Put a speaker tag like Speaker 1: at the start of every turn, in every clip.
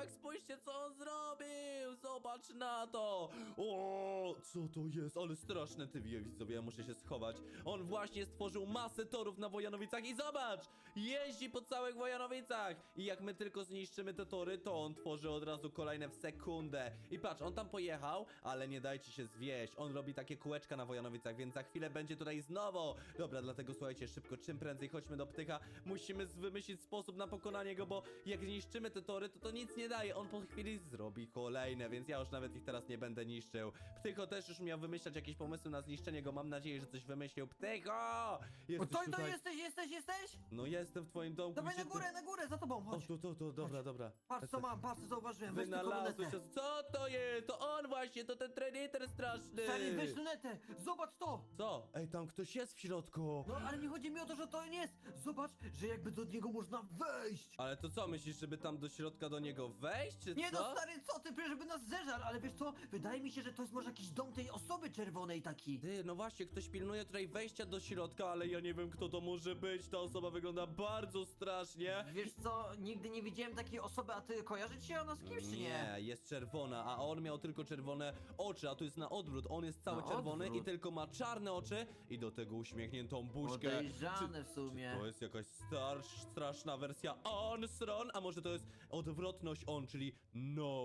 Speaker 1: tak, spójrzcie co on zrobił! Zobacz na to! O, co to jest? Ale straszne ty widzowie, ja muszę się schować. On właśnie stworzył masę torów na Wojanowicach i zobacz! Jeździ po całych Wojanowicach! I jak my tylko zniszczymy te tory, to on tworzy od razu kolejne w sekundę. I patrz, on tam pojechał, ale nie dajcie się zwieść. On robi takie kółeczka na Wojanowicach, więc za chwilę będzie tutaj znowu. Dobra, dlatego słuchajcie, szybko, czym prędzej chodźmy do Ptycha. Musimy wymyślić sposób na pokonanie go, bo jak zniszczymy te tory, to nic nie daje. On po chwili zrobi kolejne, więc ja już nawet ich teraz nie będę niszczył. Ptycho też już miał wymyślać jakieś pomysły na zniszczenie go. Mam nadzieję, że coś wymyślił. Ptycho! Jesteś
Speaker 2: To
Speaker 1: tutaj?
Speaker 2: jesteś?
Speaker 1: No jestem w twoim domku.
Speaker 2: Dawaj
Speaker 1: gdzie
Speaker 2: na górę, za tobą,
Speaker 1: O,
Speaker 2: chodź.
Speaker 1: tu, dobra, dobra.
Speaker 2: Patrz co mam, patrz co zauważyłem, weź tylko
Speaker 1: Wynalazłeś
Speaker 2: lunetę.
Speaker 1: się. Co to jest? To on właśnie, to ten Predator straszny.
Speaker 2: Stary, weź lunetę, zobacz to.
Speaker 1: Co? Ej, tam ktoś jest w środku.
Speaker 2: No ale nie chodzi mi o to, że to nie jest. Zobacz, że jakby do niego można wejść.
Speaker 1: Ale to co, myślisz, żeby tam do środka do niego wejść, czy
Speaker 2: Nie
Speaker 1: co?
Speaker 2: no stary, co ty, żeby nas zeżarł, ale wiesz co, wydaje mi się, że to jest może jakiś dom tej osoby czerwonej taki.
Speaker 1: Ty, no właśnie, ktoś pilnuje tutaj wejścia do środka, ale ja nie wiem, kto to może być. Ta osoba wygląda bardzo strasznie.
Speaker 2: Wiesz co, nigdy nie widziałem takiej osoby, a ty kojarzysz się ona z kimś czy nie?
Speaker 1: Nie, jest czerwona, a on miał tylko czerwone oczy, a tu jest na odwrót. On jest cały
Speaker 2: Na
Speaker 1: czerwony
Speaker 2: odwrót?
Speaker 1: i tylko ma czarne oczy i do tego uśmiechniętą buźkę.
Speaker 2: Podejrzane w sumie.
Speaker 1: To jest jakaś straszna wersja on-stron, a może to jest odwrotność on, czyli no.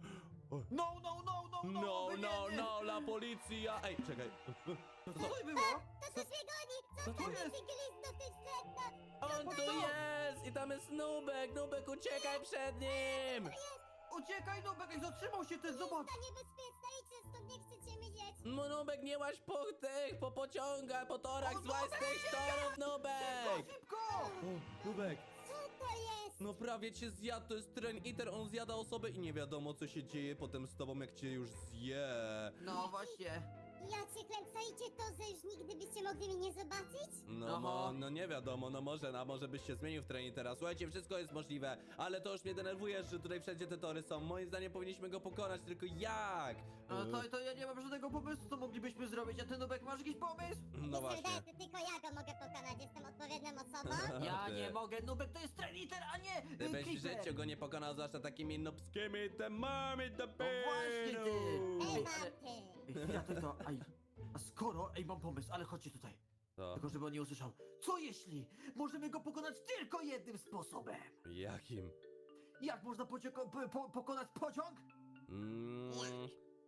Speaker 2: No,
Speaker 1: No,
Speaker 2: oby
Speaker 1: no,
Speaker 2: nie.
Speaker 1: no, la policja. Ej, czekaj.
Speaker 2: Co to było?
Speaker 3: To coś mnie goni!
Speaker 2: Co to
Speaker 3: Zostaw
Speaker 2: jest?
Speaker 3: mnie glizdu w tym śledno!
Speaker 1: On tu jest! I tam jest Nubek! Nubek, uciekaj przed nim!
Speaker 2: Uciekaj, Nubek, jak zatrzymał się ten, zobacz.
Speaker 3: To niebezpieczne, idźcie stąd, nie chcecie mi jeść!
Speaker 1: Nubek, nie łaź po pociągach, po torach,
Speaker 2: O,
Speaker 1: złaź z
Speaker 2: Nubek,
Speaker 1: tych torów, Nubek!
Speaker 2: Szybko!
Speaker 1: O, Nubek,
Speaker 3: Co to jest?
Speaker 1: no prawie cię zjadł, to jest Train Eater, on zjada osobę i nie wiadomo co się dzieje potem z tobą, jak cię już zje.
Speaker 2: No właśnie.
Speaker 3: Ja cię klęcajcie to, że już nigdy byście mogli mnie nie zobaczyć?
Speaker 1: No,
Speaker 2: Aha.
Speaker 1: no nie wiadomo, no może byś się zmienił w Train Eatera. Słuchajcie, wszystko jest możliwe, ale to już mnie denerwuje, że tutaj wszędzie te tory są. Moim zdaniem powinniśmy go pokonać, tylko jak?
Speaker 2: No to ja nie mam żadnego pomysłu, co moglibyśmy zrobić, a ty, Nubek, masz jakiś pomysł?
Speaker 1: No
Speaker 3: Mi się
Speaker 1: właśnie.
Speaker 3: wydaje, że tylko ja go mogę pokonać, jestem odpowiednią osobą.
Speaker 2: Ja
Speaker 1: Ty.
Speaker 2: nie mogę, Nubek to jest Trainiter, a nie
Speaker 1: Ty byś w
Speaker 2: Creeper.
Speaker 1: życiu go nie pokonał, zwłaszcza takimi nubskimi temami
Speaker 2: właśnie ty.
Speaker 3: Ej,
Speaker 2: ale-
Speaker 3: mam ty!
Speaker 2: Ja to, a skoro, mam pomysł, ale chodźcie tutaj.
Speaker 1: Co?
Speaker 2: Tylko żeby on nie usłyszał. Co jeśli możemy go pokonać tylko jednym sposobem?
Speaker 1: Jakim?
Speaker 2: Jak można pokonać pociąg?
Speaker 1: Nie wiem.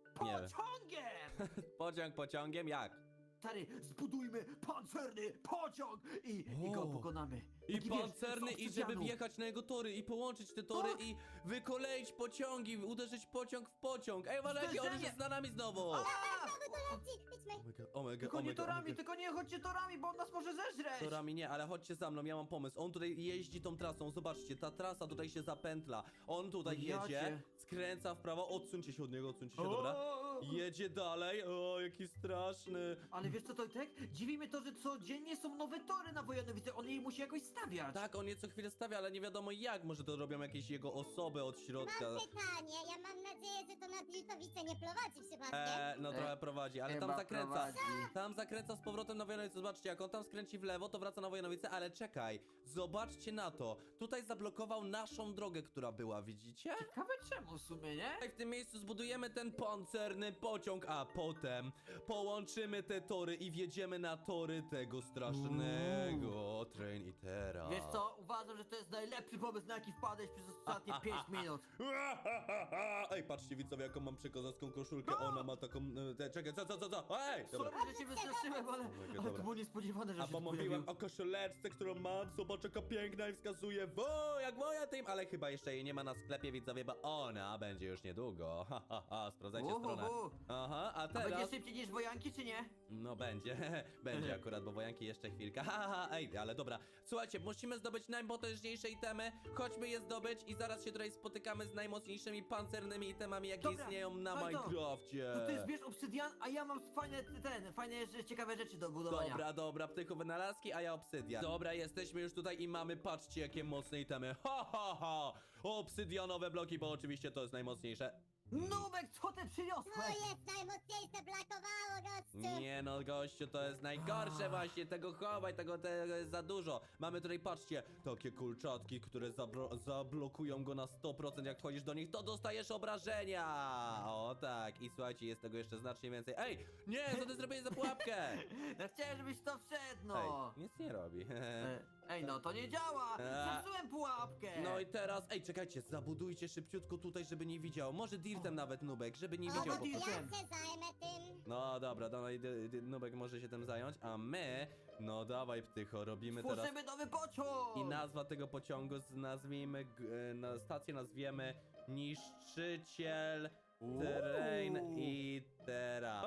Speaker 2: Pociągiem!
Speaker 1: Pociągiem? Jak?
Speaker 2: Stary, zbudujmy pancerny pociąg i go
Speaker 1: O.
Speaker 2: pokonamy.
Speaker 1: I
Speaker 2: Taki, wiesz,
Speaker 1: pancerny,
Speaker 2: z
Speaker 1: i żeby
Speaker 2: obsydianu.
Speaker 1: wjechać na jego tory i połączyć te tory
Speaker 2: Tak.
Speaker 1: i wykoleić pociągi, uderzyć pociąg w pociąg. Ej, uważajcie, on już jest za nami znowu!
Speaker 2: A!
Speaker 3: Znowu tu leci! Idźmy!
Speaker 1: Omega,
Speaker 2: Tylko nie torami, tylko nie chodźcie torami, bo on nas może zeżreć!
Speaker 1: Torami nie, ale chodźcie za mną, ja mam pomysł. On tutaj jeździ tą trasą, zobaczcie, ta trasa tutaj się zapętla. On tutaj
Speaker 2: Ja
Speaker 1: jedzie,
Speaker 2: cię.
Speaker 1: skręca w prawo, odsuńcie się od niego, odsuńcie się, dobra?
Speaker 2: O!
Speaker 1: Jedzie dalej, o, jaki straszny.
Speaker 2: Ale wiesz co, Tojtek? Dziwi mnie to, że codziennie są nowe tory na Wojanowice, on jej musi jakoś stawiać.
Speaker 1: Tak, on je co chwilę stawia, ale nie wiadomo jak, może to robią jakieś jego osoby od środka.
Speaker 3: Mam pytanie, ja mam nadzieję, że to na Wilkowice nie prowadzi przypadkiem.
Speaker 1: No trochę prowadzi, ale tam
Speaker 2: Chyba
Speaker 1: zakręca.
Speaker 2: prowadzi.
Speaker 1: Tam zakręca z powrotem na Wojanowice. Zobaczcie, jak on tam skręci w lewo, to wraca na Wojanowice, ale czekaj, zobaczcie na to. Tutaj zablokował naszą drogę, która była, widzicie?
Speaker 2: Ciekawe czemu w sumie, nie?
Speaker 1: Tutaj w tym miejscu zbudujemy ten pancerny pociąg, a potem połączymy te tory i wjedziemy na tory tego strasznego Train Eatera.
Speaker 2: Wiesz co, uważam, że to jest najlepszy pomysł, na jaki wpadłeś przez ostatnie 5 minut.
Speaker 1: Ej, patrzcie widzowie, jaką mam przekozacką koszulkę, ona ma taką... czekaj, co? Ej! Dobra.
Speaker 2: Sorry, że cię wystraszyłem, ale
Speaker 1: dobra.
Speaker 2: to było niespodziewane, że
Speaker 1: A
Speaker 2: się
Speaker 1: bo
Speaker 2: tu
Speaker 1: mówiłem
Speaker 2: pojawił.
Speaker 1: o koszuleczce, którą mam, zobacz jaka piękna i wskazuje jak moja tym, ale chyba jeszcze jej nie ma na sklepie widzowie, bo ona będzie już niedługo. Sprawdzajcie stronę. Aha, a
Speaker 2: A będzie
Speaker 1: teraz...
Speaker 2: szybciej niż wojanki, czy nie?
Speaker 1: No będzie akurat, bo wojanki jeszcze chwilkę. Ej, ale dobra. Słuchajcie, musimy zdobyć najpotężniejsze itemy. Chodźmy je zdobyć i zaraz się tutaj spotykamy z najmocniejszymi pancernymi itemami, jakie
Speaker 2: Dobra,
Speaker 1: istnieją na
Speaker 2: no i to.
Speaker 1: Minecrafcie.
Speaker 2: To ty zbierz obsydian, a ja mam fajne, ciekawe rzeczy do budowania.
Speaker 1: Dobra, Ptychu wynalazki, a ja obsydian. Dobra, jesteśmy już tutaj i mamy, patrzcie jakie mocne itemy. Ha! Obsydianowe bloki, bo oczywiście to jest najmocniejsze.
Speaker 2: Nubek, co ty
Speaker 3: No
Speaker 2: przyniosłeś?
Speaker 3: jest najmocniejsze, brakowało, gościu.
Speaker 1: Nie no, gościu, to jest najgorsze właśnie, tego chowaj, tego jest za dużo. Mamy tutaj, patrzcie, takie kulczatki, które zablokują go na 100%, jak wchodzisz do nich, to dostajesz obrażenia. O tak, i słuchajcie, jest tego jeszcze znacznie więcej. Ej, nie, co ty zrobiłeś za pułapkę?
Speaker 2: Ja chciałem, żebyś to wszedł, no.
Speaker 1: Ej, nic nie robi.
Speaker 2: Ej, no to nie działa! Zepsułem pułapkę!
Speaker 1: No i teraz, ej, czekajcie, zabudujcie szybciutko tutaj, żeby nie widział. Może dirtem nawet, Nubek, żeby nie
Speaker 3: O,
Speaker 1: widział.
Speaker 3: to
Speaker 1: po
Speaker 3: ja
Speaker 1: prostu.
Speaker 2: dirtem.
Speaker 3: się zajmę tym.
Speaker 1: No dobra, dawaj, Nubek może się tym zająć, a my, no dawaj Ptycho, robimy teraz...
Speaker 2: Tworzymy nowy pociąg!
Speaker 1: I nazwa tego pociągu nazwijmy, na stację nazwiemy Niszczyciel Train Itera.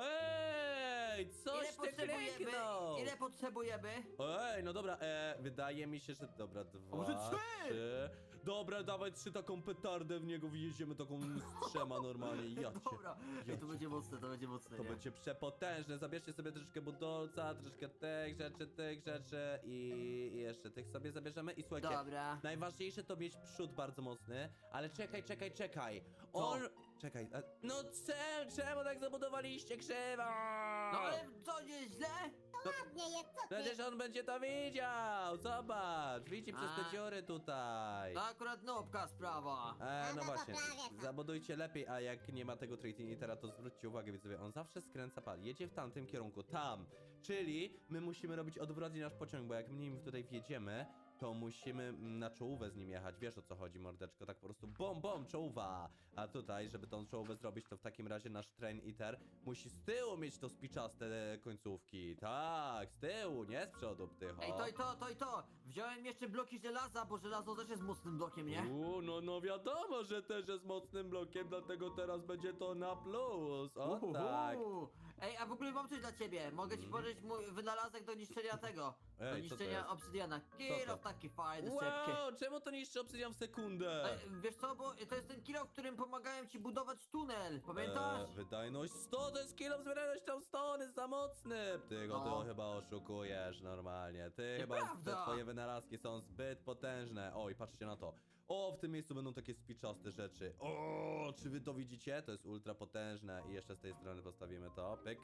Speaker 1: Ej, coś ty kliknął!
Speaker 2: Ile potrzebujemy?
Speaker 1: Ej, no dobra, wydaje mi się, że dobra,
Speaker 2: może
Speaker 1: dwa,
Speaker 2: trzy?
Speaker 1: Dobra, dawaj 3 taką petardę w niego, wjedziemy taką strzema normalnie, ja cię.
Speaker 2: Dobra, ej, to będzie mocne, to będzie mocne,
Speaker 1: To
Speaker 2: nie?
Speaker 1: będzie przepotężne, zabierzcie sobie troszeczkę budolca, troszeczkę tych rzeczy i jeszcze tych sobie zabierzemy i słuchajcie,
Speaker 2: Dobra.
Speaker 1: najważniejsze to mieć przód bardzo mocny, ale czekaj, on... Czekaj, no czemu tak zabudowaliście krzywo?
Speaker 2: No ale co, nie źle?
Speaker 3: Ładnie jest, co ty?
Speaker 1: Przecież on będzie to widział, zobacz, widzi przez te
Speaker 2: A.
Speaker 1: dziury tutaj.
Speaker 2: To akurat nobka sprawa.
Speaker 1: No
Speaker 3: No to
Speaker 1: właśnie,
Speaker 3: prawie tak.
Speaker 1: zabudujcie lepiej, a jak nie ma tego Trainitera, to zwróćcie uwagę, widzowie, on zawsze skręca pal, jedzie w tamtym kierunku, tam, czyli my musimy robić odwrotnie nasz pociąg, bo jak my nim tutaj wjedziemy, to musimy na czołówę z nim jechać, wiesz o co chodzi, mordeczko, tak po prostu bom, czołówa, a tutaj, żeby tą czołówę zrobić, to w takim razie nasz Trainiter musi z tyłu mieć to spiczaste końcówki, tak, z tyłu, nie z przodu, Ptycho.
Speaker 2: Ej, to i to! Wziąłem jeszcze bloki żelaza, bo żelazo też jest mocnym blokiem, nie?
Speaker 1: No wiadomo, że też jest mocnym blokiem, dlatego teraz będzie to na plus, o tak.
Speaker 2: Ej, a w ogóle mam coś dla ciebie. Mogę ci pożyczyć mój wynalazek do niszczenia tego. Do
Speaker 1: Ej, co to
Speaker 2: niszczenia
Speaker 1: jest?
Speaker 2: obsydiana. Kilof taki fajny, szybki.
Speaker 1: Wow, czemu to niszczy obsydian w sekundę?
Speaker 2: Wiesz co, bo to jest ten kilof, którym pomagałem ci budować tunel. Pamiętasz?
Speaker 1: Wydajność 100 to jest kilo z wydajnością 100, on jest za mocny. Ty go
Speaker 2: No.
Speaker 1: ty chyba oszukujesz normalnie. Ty chyba,
Speaker 2: Nieprawda.
Speaker 1: te twoje wynalazki są zbyt potężne. Oj, patrzcie na to. O, w tym miejscu będą takie spiczaste rzeczy. O, czy wy to widzicie? To jest ultra potężne. I jeszcze z tej strony postawimy to. Pyk,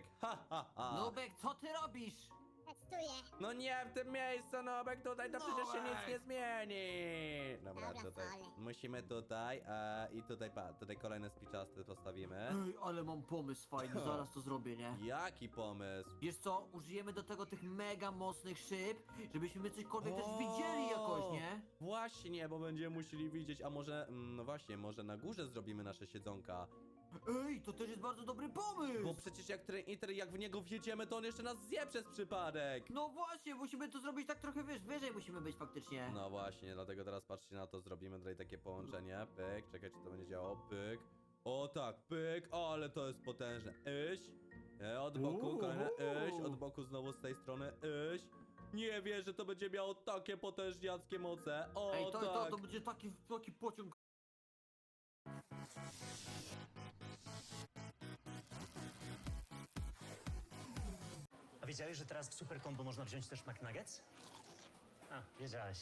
Speaker 1: ha.
Speaker 2: Nubek, co ty robisz?
Speaker 3: Testuję.
Speaker 1: No nie w tym miejscu, Nobek, tutaj to przecież się nic
Speaker 2: Nobek.
Speaker 1: nie zmieni. Dobra,
Speaker 3: Dobra,
Speaker 1: tutaj.
Speaker 3: sorry.
Speaker 1: Musimy tutaj, i tutaj, tutaj kolejne spiczaste postawimy.
Speaker 2: Ej, ale mam pomysł fajny, zaraz to zrobię, nie?
Speaker 1: Jaki pomysł?
Speaker 2: Wiesz co, użyjemy do tego tych mega mocnych szyb, żebyśmy cośkolwiek też widzieli jakoś, nie?
Speaker 1: Właśnie, bo będziemy musieli widzieć, a może, no właśnie, może na górze zrobimy nasze siedzonka.
Speaker 2: Ej, to też jest bardzo dobry pomysł!
Speaker 1: Bo przecież jak Trainiter, jak w niego wjedziemy, to on jeszcze nas zje przez przypadek.
Speaker 2: No właśnie, musimy to zrobić tak trochę, wiesz, wyżej musimy być faktycznie.
Speaker 1: No właśnie, dlatego teraz patrzcie na to, zrobimy tutaj takie połączenie. Pyk, czekaj, czy to będzie działało. Pyk. O tak, pyk, o, ale to jest potężne. Od boku, kolejne od boku znowu z tej strony, Nie wierzę, że to będzie miało takie potężniackie moce. O,
Speaker 2: Ej,
Speaker 1: tak.
Speaker 2: to będzie taki pociąg.
Speaker 4: A wiedziałeś, że teraz w Super Combo można wziąć też McNuggets? A, wiedziałeś.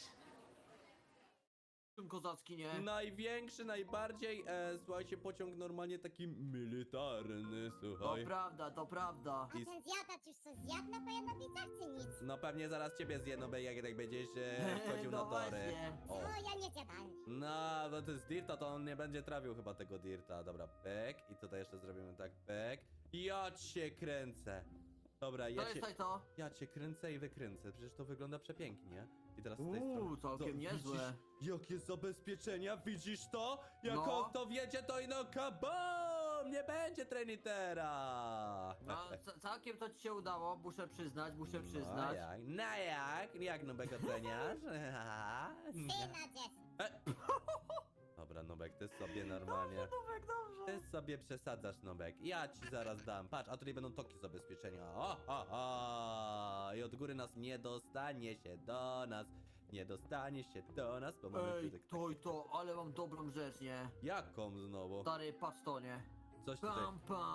Speaker 2: Kozacki, nie?
Speaker 1: Największy, najbardziej, słuchajcie, pociąg normalnie taki militarny,
Speaker 2: To
Speaker 1: słuchaj.
Speaker 2: prawda, to prawda.
Speaker 3: A ten zjadacz już co zjadł na pojemnikach czy nic?
Speaker 1: No pewnie zaraz ciebie zjedną, jak tak będziesz wchodził
Speaker 2: No
Speaker 1: na tory.
Speaker 2: właśnie.
Speaker 1: O.
Speaker 3: O, ja nie zjadam.
Speaker 1: No, to jest dirta, to on nie będzie trawił chyba tego dirta. Dobra, pyk. I tutaj jeszcze zrobimy tak, pyk. Ja cię kręcę. Dobra, ja cię kręcę i wykręcę. Przecież to wygląda przepięknie. I teraz z tej strony.
Speaker 2: Całkiem niezłe.
Speaker 1: Widzisz, jakie zabezpieczenia? Widzisz to? Jak
Speaker 2: No.
Speaker 1: on to wiedzie, to ino kabom! Nie będzie Trainitera!
Speaker 2: No, całkiem to ci się udało, muszę przyznać.
Speaker 1: No jak? No jak? Jak Nubek oceniasz?
Speaker 3: Ty nadziesz.
Speaker 1: Dobra, Nubek, ty sobie normalnie.
Speaker 2: Nubek, dobrze.
Speaker 1: Ty sobie przesadzasz, Nubek. Ja ci zaraz dam. Patrz, a tutaj będą toki zabezpieczenia. O. I od góry nas nie dostanie się do nas. Nie dostanie się do nas, bo mamy
Speaker 2: Ej,
Speaker 1: tutaj...
Speaker 2: to, ale mam dobrą rzecz, nie?
Speaker 1: Jaką znowu?
Speaker 2: Stary, patrz to, nie?
Speaker 1: Coś tutaj.
Speaker 2: Pam, pam,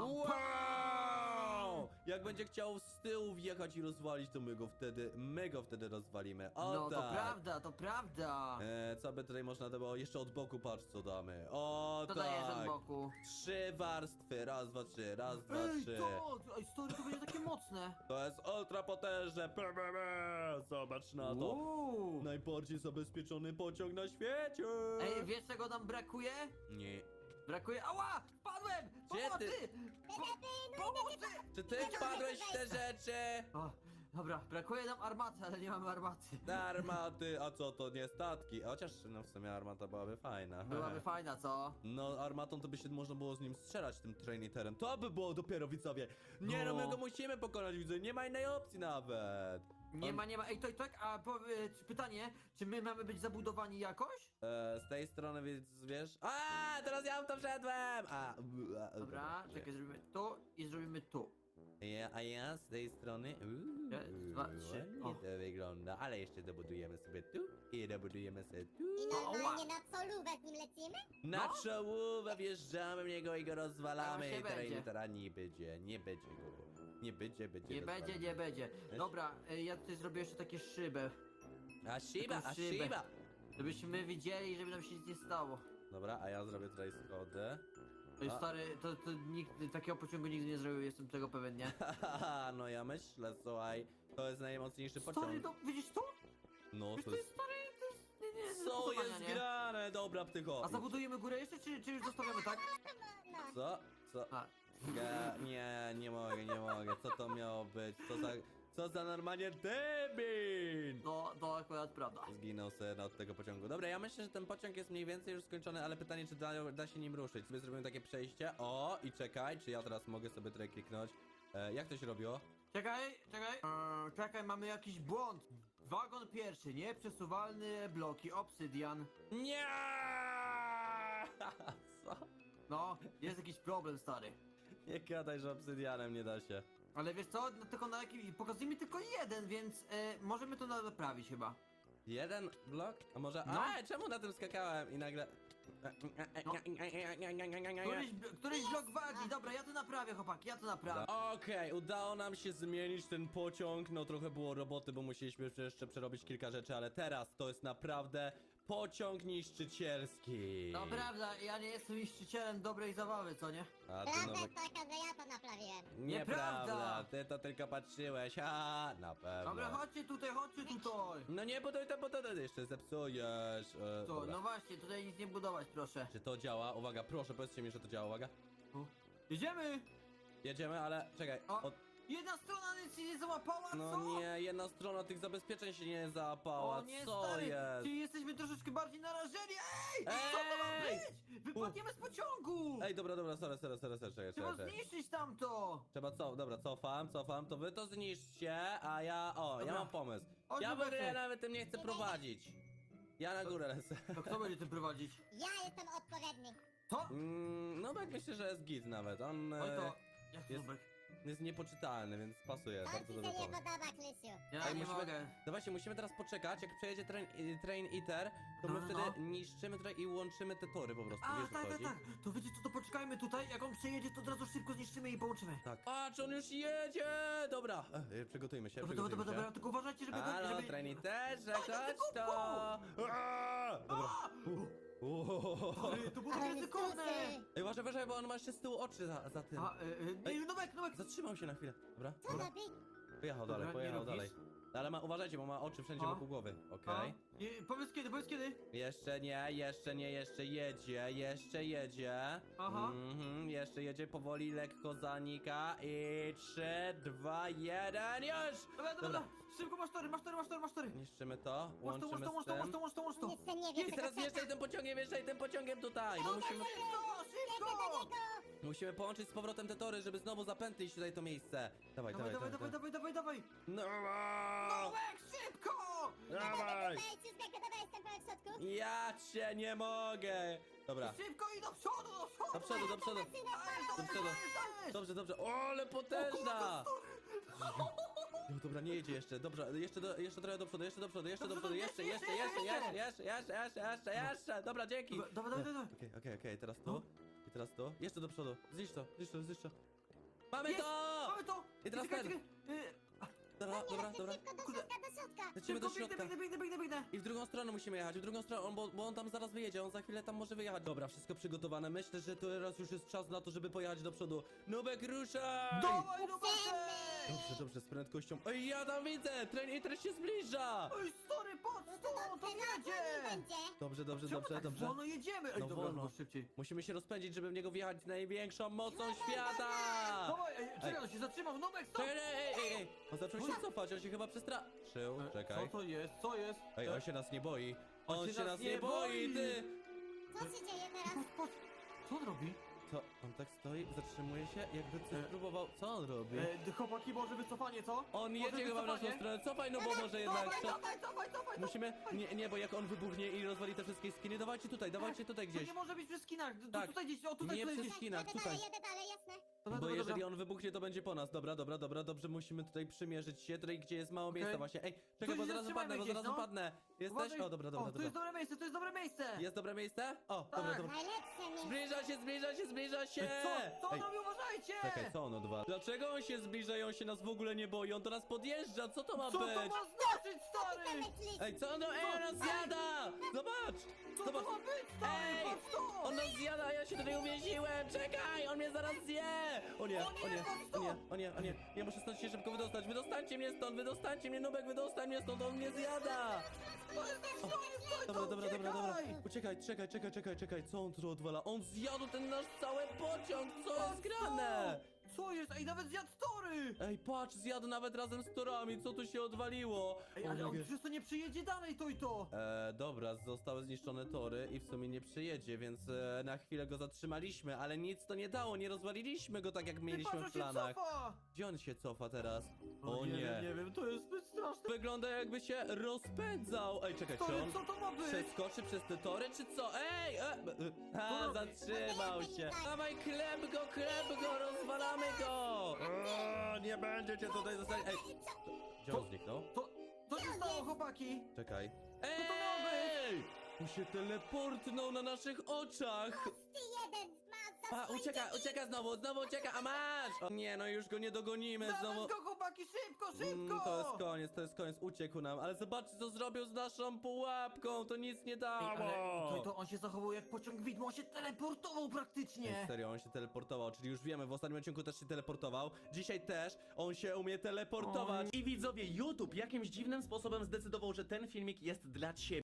Speaker 1: Wow! Jak będzie chciał z tyłu wjechać i rozwalić, to my go wtedy rozwalimy. O
Speaker 2: No
Speaker 1: tak.
Speaker 2: to prawda, to prawda.
Speaker 1: Co by tutaj można było? Jeszcze od boku, patrz co damy. O
Speaker 2: To
Speaker 1: tak.
Speaker 2: dajesz od boku.
Speaker 1: 3 warstwy, raz, dwa, trzy, raz, dwa,
Speaker 2: Ej,
Speaker 1: trzy.
Speaker 2: ej, stary, to będzie takie mocne.
Speaker 1: To jest ultra potężne. Zobacz na to.
Speaker 2: Uuu.
Speaker 1: Najbardziej zabezpieczony pociąg na świecie.
Speaker 2: Ej, wiesz czego nam brakuje?
Speaker 1: Nie.
Speaker 2: Brakuje... Ała! Wpadłem!
Speaker 1: Gdzie
Speaker 2: Pomocy!
Speaker 1: ty?
Speaker 2: Pomocy!
Speaker 1: Czy ty wpadłeś w te rzeczy?
Speaker 2: O, dobra, brakuje nam armaty, ale nie mamy armaty.
Speaker 1: Armaty, a co to nie statki? Chociaż no w sumie armata byłaby fajna.
Speaker 2: Byłaby fajna, co?
Speaker 1: No armatą to by się można było z nim strzelać, tym trainiterem. To by było dopiero, widzowie. Nie no, my
Speaker 2: No.
Speaker 1: go musimy pokonać, widzowie. Nie ma innej opcji nawet.
Speaker 2: Nie ma. Ej, to i tak, a pytanie, czy my mamy być zabudowani jakoś?
Speaker 1: Z tej strony, więc wiesz... A, teraz ja w to wszedłem!
Speaker 2: Dobra, czekaj, zrobimy tu i zrobimy tu.
Speaker 1: A ja z tej strony...
Speaker 2: Raz, dwa, trzy.
Speaker 1: Ładnie
Speaker 2: O.
Speaker 1: to wygląda, ale jeszcze dobudujemy sobie tu i dobudujemy sobie tu.
Speaker 3: I normalnie na solówę z nim lecimy?
Speaker 1: Na
Speaker 2: No.
Speaker 1: czołówę wjeżdżamy w niego i go rozwalamy.
Speaker 2: To się
Speaker 1: I
Speaker 2: będzie.
Speaker 1: trainitera nie będzie, nie będzie go. Nie będzie, będzie
Speaker 2: Nie
Speaker 1: rozwalony.
Speaker 2: będzie, nie będzie. Dobra, ja tutaj zrobię jeszcze takie szybę.
Speaker 1: A Shiba,
Speaker 2: Taką
Speaker 1: a
Speaker 2: szybę.
Speaker 1: Shiba!
Speaker 2: Żebyśmy widzieli, żeby nam się nic nie stało.
Speaker 1: Dobra, a ja zrobię tutaj schody.
Speaker 2: To jest
Speaker 1: A.
Speaker 2: stary, to nikt takiego pociągu nigdy nie zrobił, jestem tego pewien, nie?
Speaker 1: Haha, no ja myślę, słuchaj, to jest najmocniejszy
Speaker 2: Stary,
Speaker 1: pociąg.
Speaker 2: no widzisz to?
Speaker 1: No
Speaker 2: Wiesz,
Speaker 1: to
Speaker 2: to jest
Speaker 1: jest...
Speaker 2: stary, to jest... Nie,
Speaker 1: Co
Speaker 2: budowania,
Speaker 1: jest
Speaker 2: nie?
Speaker 1: grane? Dobra, ptycho.
Speaker 2: A zabudujemy górę jeszcze, czy już zostawiamy, tak?
Speaker 3: No.
Speaker 1: Co? Co?
Speaker 2: A,
Speaker 1: Nie mogę. Co to miało być? Co za normalnie debil!
Speaker 2: no, to akurat prawda.
Speaker 1: Zginął sen od tego pociągu. Dobra, ja myślę, że ten pociąg jest mniej więcej już skończony, ale pytanie, czy da się nim ruszyć. Sobie zrobimy takie przejście. O, i czekaj, czy ja teraz mogę sobie tutaj kliknąć? Jak to się robiło?
Speaker 2: Czekaj, mamy jakiś błąd. Wagon pierwszy, nieprzesuwalne bloki, obsydian.
Speaker 1: Nie! Co?
Speaker 2: No, jest jakiś problem, stary.
Speaker 1: Nie gadaj, że obsydianem nie da się.
Speaker 2: Ale wiesz co, no, tylko na jakimś... Pokazuje mi tylko jeden, więc możemy to naprawić chyba.
Speaker 1: Jeden blok? A może...
Speaker 2: No.
Speaker 1: Czemu na tym skakałem i nagle...
Speaker 2: No. Któryś blok wagi, dobra, ja to naprawię, chłopaki, ja to naprawię.
Speaker 1: Okej, udało nam się zmienić ten pociąg. No trochę było roboty, bo musieliśmy jeszcze przerobić kilka rzeczy, ale teraz to jest naprawdę pociąg niszczycielski.
Speaker 2: No prawda, ja nie jestem niszczycielem dobrej zabawy, co nie?
Speaker 1: A ty
Speaker 3: Prawda
Speaker 1: no...
Speaker 3: jest taka, że ja to naprawiłem.
Speaker 1: Nieprawda,
Speaker 2: Nieprawda.
Speaker 1: ty to tylko patrzyłeś, na pewno.
Speaker 2: Dobra, chodźcie tutaj.
Speaker 1: No nie, bo to jeszcze zepsujesz.
Speaker 2: To,
Speaker 1: Dobra.
Speaker 2: no właśnie, tutaj nic nie budować, proszę.
Speaker 1: Czy to działa? Uwaga, proszę, powiedzcie mi, że to działa, uwaga.
Speaker 2: O, jedziemy!
Speaker 1: Jedziemy, ale czekaj.
Speaker 2: O, jedna strona nic się nie załapała,
Speaker 1: No
Speaker 2: co?
Speaker 1: nie, jedna strona tych zabezpieczeń się nie załapała.
Speaker 2: O nie,
Speaker 1: Co
Speaker 2: stary,
Speaker 1: jest?
Speaker 2: czyli jesteśmy troszeczkę bardziej narażeni. Ej! Co to ma
Speaker 1: Ej!
Speaker 2: być? Wypadniemy z pociągu!
Speaker 1: Ej, dobra, sorry, czekaj.
Speaker 2: Trzeba zniszczyć tamto!
Speaker 1: Trzeba co? Dobra, cofam, to wy to zniszczcie, a ja... O, ja
Speaker 2: Dobra.
Speaker 1: mam pomysł.
Speaker 2: Chodź,
Speaker 1: Ja w ogóle
Speaker 2: Lubeczek.
Speaker 1: nawet tym nie chcę prowadzić. Ja na górę lecę.
Speaker 2: To kto będzie tym prowadzić?
Speaker 3: Ja jestem odpowiedni.
Speaker 2: To?
Speaker 1: No tak myślę, że jest git nawet. On
Speaker 2: Oj to... Jak to
Speaker 1: jest-
Speaker 2: Zubek?
Speaker 1: jest niepoczytalny, więc pasuje.
Speaker 3: To
Speaker 1: Bardzo
Speaker 3: ci się
Speaker 1: dobry
Speaker 3: nie
Speaker 1: pomysł.
Speaker 3: podoba, Krysiu.
Speaker 2: Ja
Speaker 1: Ej,
Speaker 2: nie
Speaker 1: musimy-
Speaker 2: mogę.
Speaker 1: Dawajcie, musimy teraz poczekać, jak przejedzie train Eater, to my
Speaker 2: No,
Speaker 1: wtedy
Speaker 2: no.
Speaker 1: niszczymy tutaj i łączymy te tory po prostu,
Speaker 2: A,
Speaker 1: wiesz o co chodzi?
Speaker 2: tak. To wiecie co, to poczekajmy tutaj, jak on przejedzie, to od razu szybko zniszczymy i połączymy.
Speaker 1: Tak. Patrz, on już jedzie! Dobra, przygotujmy się,
Speaker 2: Dobra, tylko uważajcie, żeby...
Speaker 1: Halo,
Speaker 2: żeby...
Speaker 1: train Eaterze,
Speaker 2: Oj,
Speaker 1: chodź
Speaker 2: tylko
Speaker 1: to! Dobra.
Speaker 2: Stary, to było takie
Speaker 3: Ale
Speaker 2: ryzykowne!
Speaker 3: skusy.
Speaker 1: Ej, uważaj, bo on ma jeszcze z tyłu oczy za tym.
Speaker 2: Nubek!
Speaker 1: Zatrzymał się na chwilę, dobra?
Speaker 3: Co robi?
Speaker 1: Pojechał
Speaker 2: Dobra,
Speaker 1: dalej,
Speaker 2: nie
Speaker 1: pojechał
Speaker 2: robisz?
Speaker 1: dalej. Ale uważajcie, bo ma oczy wszędzie
Speaker 2: A?
Speaker 1: wokół głowy, okej?
Speaker 2: Powiedz kiedy?
Speaker 1: Jeszcze nie, jeszcze jedzie.
Speaker 2: Aha.
Speaker 1: Jeszcze jedzie powoli, lekko zanika i 3, 2, 1, już!
Speaker 2: Dobra, szybko, masz tory.
Speaker 1: Niszczymy to,
Speaker 2: Łącz
Speaker 1: łączymy z tym.
Speaker 2: to.
Speaker 3: Jeszcze nie wiem,
Speaker 1: I teraz
Speaker 3: czego
Speaker 1: wjeżdżaj tym pociągiem tutaj, bo musimy...
Speaker 2: Szybko!
Speaker 1: Musimy połączyć z powrotem te tory, żeby znowu zapętlić tutaj to miejsce. Dawaj.
Speaker 2: Dawaj.
Speaker 1: No,
Speaker 2: Nubek, szybko!
Speaker 1: dawaj!
Speaker 3: Dawaj, jestem po środku.
Speaker 1: Ja cię nie mogę! Dobra,
Speaker 2: Szybko i do przodu!
Speaker 1: do przodu. Do przodu. Dobrze. O, ale potężna! No dobra, nie jedzie jeszcze. Dobra, jeszcze trochę do przodu, jeszcze. Dobra, dzięki.
Speaker 2: Dawaj.
Speaker 1: Okej, teraz tu. I teraz to. Jeszcze do przodu. Zniszcz to, zniszcz to, zniszcz to. Mamy
Speaker 2: Jest!
Speaker 1: to!
Speaker 2: Mamy to!
Speaker 1: I teraz
Speaker 2: Czekaj,
Speaker 1: ten.
Speaker 2: czekaj.
Speaker 1: Dobra, dobra, dobra.
Speaker 3: Szybko do
Speaker 2: Kurde.
Speaker 3: środka, do środka.
Speaker 1: Lecimy do
Speaker 2: Szybko,
Speaker 1: środka.
Speaker 2: biegnę.
Speaker 1: I w drugą stronę musimy jechać, w drugą stronę, bo on tam zaraz wyjedzie, on za chwilę tam może wyjechać. Dobra, wszystko przygotowane. Myślę, że teraz już jest czas na to, żeby pojechać do przodu. Nubek, ruszaj!
Speaker 2: Dawaj, no
Speaker 1: Dobrze, z prędkością. Ej, ja tam widzę! Tren się zbliża!
Speaker 2: Oj, stary, patrz, to jedzie!
Speaker 3: Będzie.
Speaker 1: Dobrze,
Speaker 2: Czemu tak wolno jedziemy? Ej,
Speaker 1: No
Speaker 2: dobra,
Speaker 1: wolno.
Speaker 2: no szybciej.
Speaker 1: Musimy się rozpędzić, żeby w niego wjechać z największą mocą świata!
Speaker 2: Dawaj, czekaj, on się zatrzymał, Nubek, stop!
Speaker 1: Czekaj, ej! On zaczął się cofać, on się chyba przestraszył. Czekaj.
Speaker 2: Co to jest? Co jest?
Speaker 1: Ej, on się nas nie boi. On
Speaker 2: się
Speaker 1: się nas nie boi, ty!
Speaker 3: Co się dzieje teraz?
Speaker 2: Patrz, co on robi?
Speaker 1: Co? On tak stoi, zatrzymuje się, jakby coś próbował. Co on robi?
Speaker 2: Chłopaki, może wycofanie, co?
Speaker 1: On
Speaker 2: Może
Speaker 1: jedzie chyba w naszą
Speaker 2: wycofanie?
Speaker 1: stronę. Cofaj, no bo może jednak.
Speaker 2: Cofaj.
Speaker 1: Musimy. Nie, bo jak on wybuchnie i rozwali te wszystkie skiny, dawajcie tutaj
Speaker 2: To
Speaker 1: gdzieś.
Speaker 2: nie może być przy skinach,
Speaker 1: Tak.
Speaker 2: tutaj gdzieś, o tutaj,
Speaker 1: Nie
Speaker 2: tutaj
Speaker 1: przy
Speaker 2: gdzieś.
Speaker 1: skinach,
Speaker 3: Jedę
Speaker 1: tutaj.
Speaker 3: dalej, jasne.
Speaker 2: Dobra,
Speaker 1: Bo
Speaker 2: dobra,
Speaker 1: jeżeli
Speaker 2: dobra.
Speaker 1: on wybuchnie, to będzie po nas. Dobra, dobrze, musimy tutaj przymierzyć się, tutaj gdzie jest mało miejsca
Speaker 2: Okej.
Speaker 1: właśnie. Ej,
Speaker 2: To
Speaker 1: czekaj, bo
Speaker 2: się
Speaker 1: zaraz
Speaker 2: zatrzymajmy
Speaker 1: upadnę,
Speaker 2: gdzieś, no.
Speaker 1: Jesteś?
Speaker 2: Uważaj.
Speaker 1: O, dobra.
Speaker 2: O, to jest dobre miejsce, to jest dobre miejsce!
Speaker 1: Jest dobre miejsce? O,
Speaker 2: Tak.
Speaker 1: dobra.
Speaker 3: Najlepsze miejsce.
Speaker 1: Zbliża się!
Speaker 2: Co
Speaker 1: Ej,
Speaker 2: on robi, uważajcie!
Speaker 1: czekaj, co on odwala? Dlaczego on się zbliża i on się nas w ogóle nie boi? On do nas podjeżdża, co to ma
Speaker 2: Co
Speaker 1: być?
Speaker 2: to ma znaczyć, stary?
Speaker 1: Ej, co on, on nas zjada! Zobacz!
Speaker 2: Co to ma być, stary?
Speaker 1: Ej!
Speaker 2: Patrz to!
Speaker 1: On nas zjada, a ja się tutaj uwięziłem! Czekaj, on mnie zaraz zje! O nie, ja muszę stąd się szybko wydostać. Wydostańcie mnie, Nubek, wydostań mnie stąd, on mnie zjada! Dobra. Uciekaj, czekaj, co on tu odwala? On zjadł ten nasz cały pociąg, co jest grane?
Speaker 2: Co jest? Ej, nawet zjadł tory!
Speaker 1: Ej, patrz, zjadł nawet razem z torami, co tu się odwaliło?
Speaker 2: Ej,
Speaker 1: O
Speaker 2: ale
Speaker 1: nie.
Speaker 2: on przez to nie przyjedzie dalej, to i to!
Speaker 1: Dobra, zostały zniszczone tory i w sumie nie przyjedzie, więc na chwilę go zatrzymaliśmy, ale nic to nie dało, nie rozwaliliśmy go tak jak
Speaker 2: Ty
Speaker 1: mieliśmy
Speaker 2: patrz,
Speaker 1: w
Speaker 2: on się
Speaker 1: planach.
Speaker 2: cofa!
Speaker 1: Gdzie on się cofa teraz? O
Speaker 2: nie
Speaker 1: nie.
Speaker 2: wiem, to jest zbyt straszne.
Speaker 1: Wygląda jakby się rozpędzał. Ej, czekaj, czy
Speaker 2: Stary,
Speaker 1: on
Speaker 2: co to ma być?
Speaker 1: przeskoczy przez te tory, czy co? Ej!
Speaker 2: Co robi?
Speaker 1: Zatrzymał się. Dawaj, klep go, rozwalamy go! Nie będziecie tutaj zostać. Ej, gdzie on zniknął?
Speaker 2: Co się stało, chłopaki?
Speaker 1: Czekaj.
Speaker 2: to miało być?
Speaker 1: Ej! Tu się teleportnął na naszych oczach!
Speaker 3: Ty jeden ma za
Speaker 1: Ucieka znowu ucieka, a masz! O nie, no już go nie dogonimy znowu.
Speaker 2: Dawaj go, chłopaki, szybko!
Speaker 1: To jest koniec, uciekł nam, ale zobaczcie co zrobił z naszą pułapką, to nic nie
Speaker 2: Ej,
Speaker 1: dało!
Speaker 2: ale to on się zachował jak pociąg widmo, on się teleportował
Speaker 1: Ej,
Speaker 2: praktycznie!
Speaker 1: serio, on się teleportował, czyli już wiemy, w ostatnim odcinku też się teleportował. Dzisiaj też on się umie teleportować. I widzowie, YouTube jakimś dziwnym sposobem zdecydował, że ten filmik jest dla ciebie.